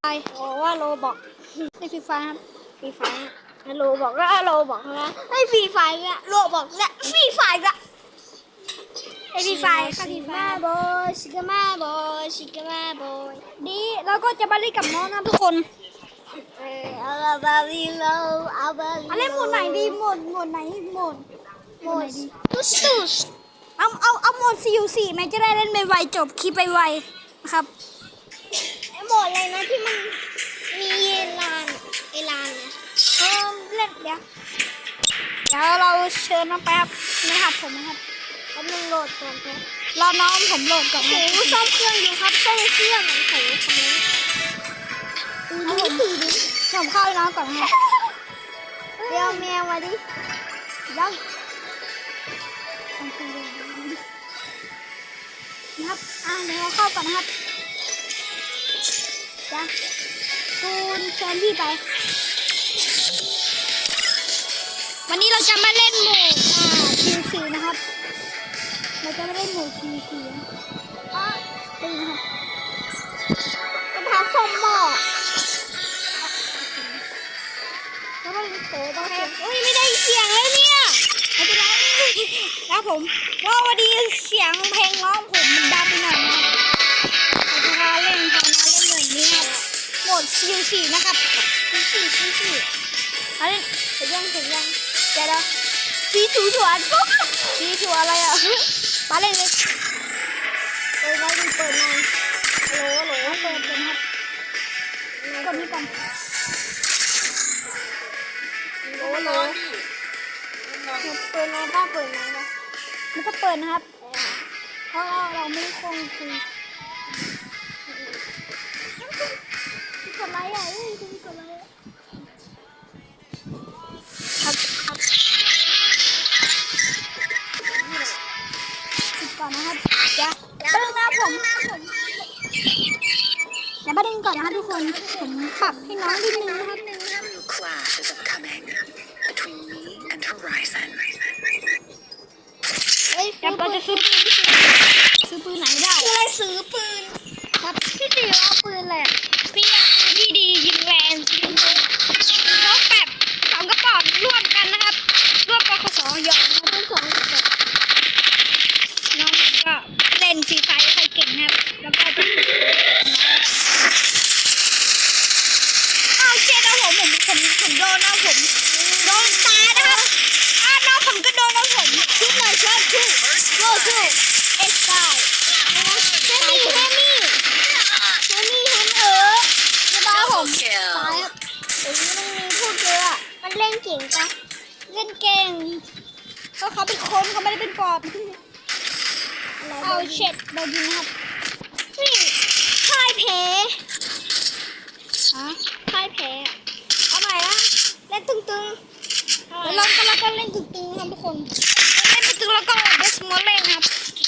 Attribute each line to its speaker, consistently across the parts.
Speaker 1: ไอโอ้ว่าโลบอกในฟรีไฟครับฟรีไฟโลบอกก็โลบอกนะไอฟรีไฟเนี่ยโลบอกเนี่ยฟรีไฟละไอฟรีไฟค่ะฟรีไฟบอยชิกามาบอยชิกามาบอยดีแล้วก็จะมาเล่นกับน้องนะทุกคนเอาบาลีโลเอาบาลีอะไรหมดไหนดีหมดไหนหมดตุ๊สเอาหมดCU4แม่จะได้เล่นไวๆจบคลิปไวๆนะครับไอหมดอะไรนะที่มันมีลานเนี่ยเล่นเดี๋ยวเราเชิญน้องแป๊บไม่หัดผมนะครับกำลังโหลดก่อนครับรอน้องผมโหลดก่อนโอ้ซ่อมเครื่องอยู่ครับซ่อมเครื่องโอ้โหทำไมผมเข้าน้องก่อนครับเดี๋ยวแมวมาดิยังนะครับเดี๋ยวเข้าก่อนนะครับจ้ะตูนเชิญพี่ไปวันนี้เราจะมาเล่นหมู่CU4นะครับเราจะมาเล่นหมู่CU4ตีนะครับจะพาส้มหม้อแล้วมันโตบ้างไม่ได้เสียงเลยเนี่ยไม่เป็นไรนะผมว่าวันนี้เสียงเพลงร้องผมมันดังไปหน่อยนะเราจะเล่นหมู่นี้ครับโหมดCU4นะครับCU4เอาเล่นเสร็จยังเดี๋ยวสีถูอะไรอ่ะมาเล่นเลยเปิดไว้เปิดในโหลเปิดครับกดนี้ก่อนโหลเปิดในบ้านเปิดในนะมันจะเปิดนะครับเพราะเราไม่คงคุยกดไลค์กดไลค์ครับก่อนนะครับจะเริ่มนะผมอย่ามาดึงก่อนนะครับทุกคนผมปรับให้น้องนิดนึงนะครับจะเราจะซื้อปืนไหนได้อะไรซื้อปืนครับพี่ตีเอาปืนแหละพี่เอาปืนที่ดียิงแรงยิงคนพกแบบสองกระป๋องร่วมกันนะครับร่วมปคสหยอกมาทั้งสองกระป๋องน้องก็เล่นฟรีไฟใครเก่งครับแล้วก็จะเจ๊นะผมโดนนะผมโดนตานะครับน้องผมก็โดนนะผมชุดหน่อยชุดโลชูเอ็กซ์ไซแฮมี่จะบ้าผมตายครับโอ้ยมันมีพูดเยอะมันเล่นเก่งปะเล่นเก่งก็เขาเป็นคนเขาไม่ได้เป็นปอบเอาเช็ดโดนยิงครับนี่พ่ายแพ้พ่ายแพ้เอาใหม่นะเล่นตึงๆแล้วเราก็เล่นตึงๆครับทุกคนเล่นตึงๆแล้วก็เดสมอลเล่นครับ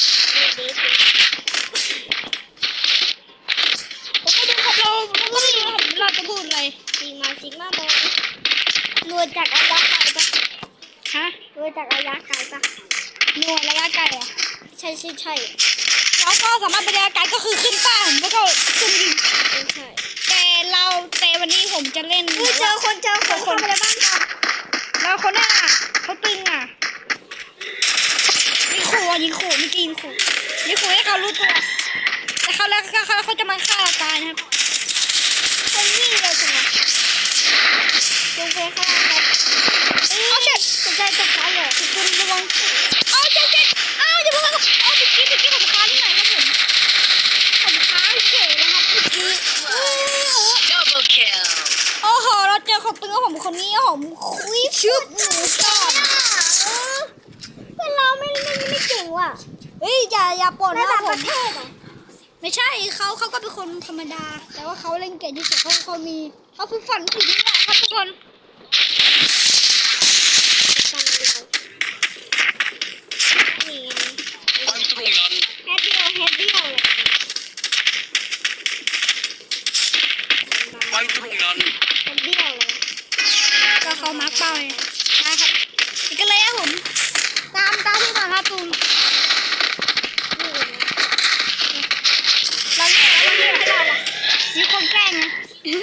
Speaker 1: ผมก็ดูครับเราจะพูดอะไรซิกมาบอลรวยจากระยะไกลปะรวยจากระยะไกลปะรวยระยะไกลอ่ะใช่แล้วก็สามารถไประยะไกลก็คือขึ้นป้าผมแล้วก็ขึ้นยิงใช่แต่วันนี้ผมจะเล่นเจอคนทำอะไรบ้างครับแล้วคนน่ะเขาตึงอ่ะยิงขู่ให้เขารู้ตัวแต่เขาแล้วเขาจะมาฆ่าเราตายนะครับคนวิ่งเลยจังเลยลงไปข้างล่างครับเอาเช็ดตกใจเลยคุณระวังเอาเช็ดอย่าเพิ่งเอาตะกี้ผมค้างที่ไหนครับผมค้างเฉยนะครับตะกี้โอ้โหเราเจอคนตึงผมคนนี้ผมคุยชุบหนูก่อนเพื่อนเราไม่เก่งว่ะเฮ้ยอย่าปนนะผมไม่ใช่เขาก็เป็นคนธรรมดาแต่ว่าเขาเล่นเก่งที่สุดเขาฝึกฝันถึงนี่แหละครับทุกคนแฮปปี้เลยไปตรงนั้นก็เขามาร์กเป้าเลยนะครับอีกเลยครับผมตามที่มาครับตูนเราเรียกให้เรามีคนแกล้งนะ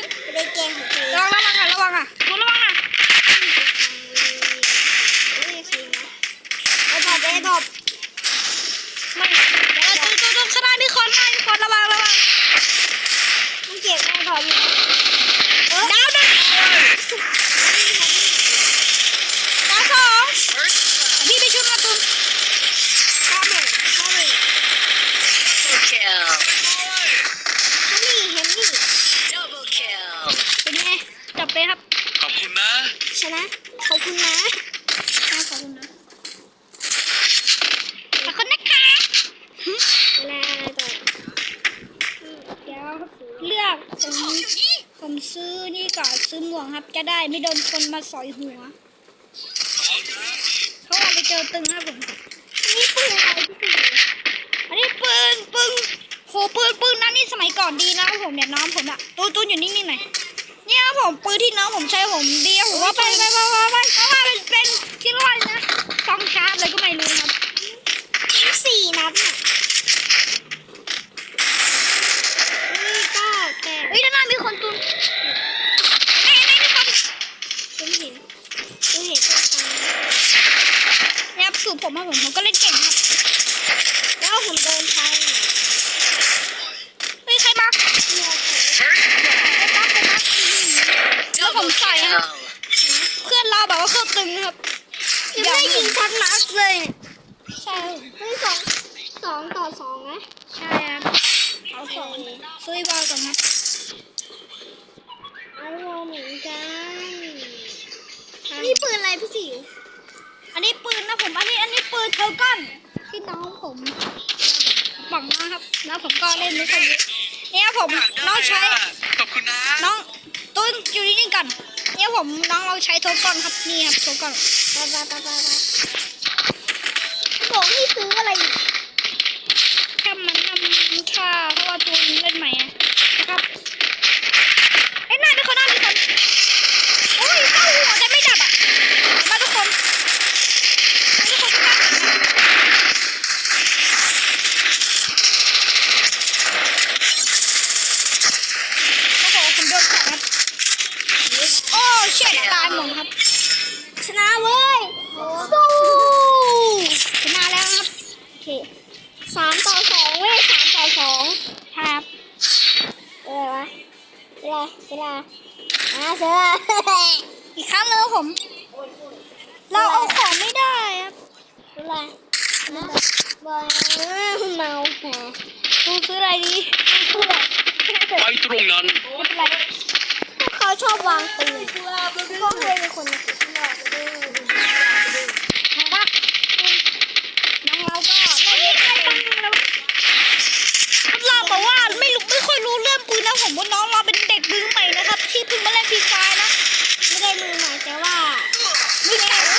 Speaker 1: อยู่ดาวหนึ่งดาวสองพี่ไปช่วยมาตุ้มข้ามเลยข้ามเลยเห็นนี่เป็นไงจับไปครับ
Speaker 2: ขอบคุณนะ
Speaker 1: ชนะขอบคุณนะขอบคุณนะขอบคุณนะคะเวลาต่อเดี๋ยวเลือกผมซื้อนี่ก่อนซื้อหมวกครับจะได้ไม่โดนคนมาสอยหัวเขาอาจจะเจอตึงครับผมนี่ปืนอะไรพี่สิอันนี้ปืนโหปืนนั้นนี่สมัยก่อนดีนะครับผมเนี่ยน้องผมอะตูนอยู่นิ่งๆหน่อยเนี่ยผมปืนที่น้องผมใช้ผมดีผมว่าไปเพราะว่าเป็นคิดว่านะสองชาร์จเลยก็ไม่รู้ครับ4 นัดน่ะเฮ้ยด้านหน้ามีคนตุนไม่มีคนตุนเห็นเนี่ยสูบผมมาผมก็เล่นเก่งครับแล้วผมเดินทางเฮ้ยใครมาแล้วผมใส่ครับเพื่อนเราแบบว่าเครื่องตึงครับยังไม่ได้ยิงชัดนัดเลยใช่ไม่2-2นะใช่ครับเอา2ซื้อบอลก่อนครับเอาเหมือนกันนี่ปืนอะไรพี่สิวอันนี้ปืนนะผมอันนี้ปืนเทอร์ก้อนที่น้องผมบังนะครับแล้วผมก็เล่นไม่ค่อยเยอะเนี่ยผมน้องใช้
Speaker 2: ขอบคุณนะ
Speaker 1: น้องต้นอยู่นิ่งๆกันเนี่ยผมน้องเราใช้เทอร์ก้อนครับนี่ครับเทอร์ก้อนบอกนี่ซื้ออะไรแค่มันทำค่าเพราะว่าตัวนี้เล่นใหม่นะครับไอ้หน้าเป็นคนโอ้ยเข้าหัวแต่ไม่ดับอ่ะมาทุกคนทุกคนโอ้โหผมโดนแขนครับโอ้เชี่ยตายหมดครับชนะเว้ยสู้ชนะแล้วครับโอเค3-2เว้ย3-2ครับวะเวลาเสืออีกครั้งนึงผมเราเอาของไม่ได้ครับอะไรบอลเมาแหมกูซื้ออะไรดี
Speaker 2: ไปตรงนั้น
Speaker 1: ไม่เป็นไรเขาชอบวางปืนก็เคยเป็นคนมาติดน้องเราก็ไม่ได้ตั้งแล้วเราบอกว่าไม่ค่อยรู้เรื่องปืนนะผมว่าน้องเราเป็นเด็กมือใหม่นะครับที่เพิ่งมาเล่นฟรีไฟนะไม่ได้มือใหม่แต่ว่าไม่แข็ง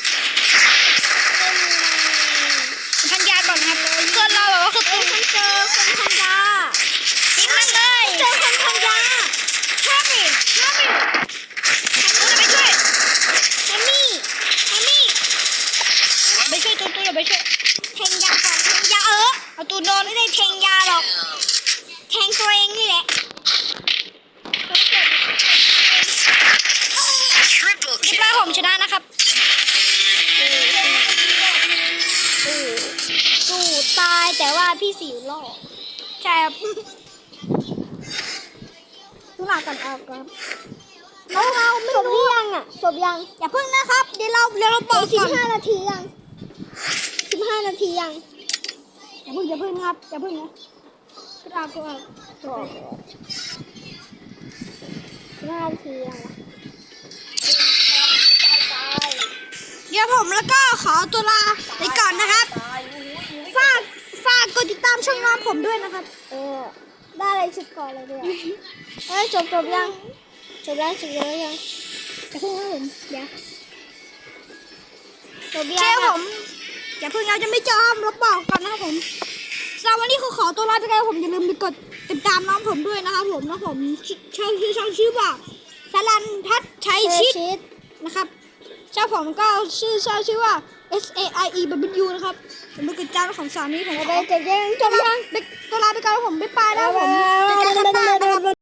Speaker 1: พันยาก่อนครับเพื่อนเราแบบว่าคือปืนเจอคนพันยายิงมันเลยเจอคนพันยาห้ามอีกไปช่วยแฮมมี่ไปช่วยตัวอย่าไปช่วยแทงยาก่อนแทงยาเอาตัวนอนไม่ได้แทงยาหรอกแทงตัวเองนี่แหละเรียบร้อยผมชนะนะครับสู้ตายแต่ว่าพี่สิวรอดใช่ครับทุลากันเอาครับเราไม่รู้ยังจบยังอย่าเพิ่งนะครับเดี๋ยวเราบอก15 นาทียัง15 นาทียังอย่าเพิ่งครับอย่าเพิ่งนะเราก็15 นาทียังเดี๋ยวผมแล้วก็ขอตัวลาไปก่อนนะครับฝากกดติดตามช่องน้องผมด้วยนะครับได้อะไรชุดก่อนเลยด้วยจบยังจบแล้วยังจะเพิ่งนะผมเดี๋ยวจบยังผมอย่าเพิ่งเราจะไม่จอมเราบอกก่อนนะครับผมสำหรับวันนี้ขอตัวลาไปกันผมอย่าลืมไปกดติดตามน้องผมด้วยนะครับผมช่องชื่อว่าสลันทัศน์ชัยชิดนะครับเจ้าผมก็ชื่อว่า SAIEW นะครับผมเป็นกิจการของสามีผมจะยังตัวลาไปกันผมบ๊ายบายนะผมจะกันนะครับ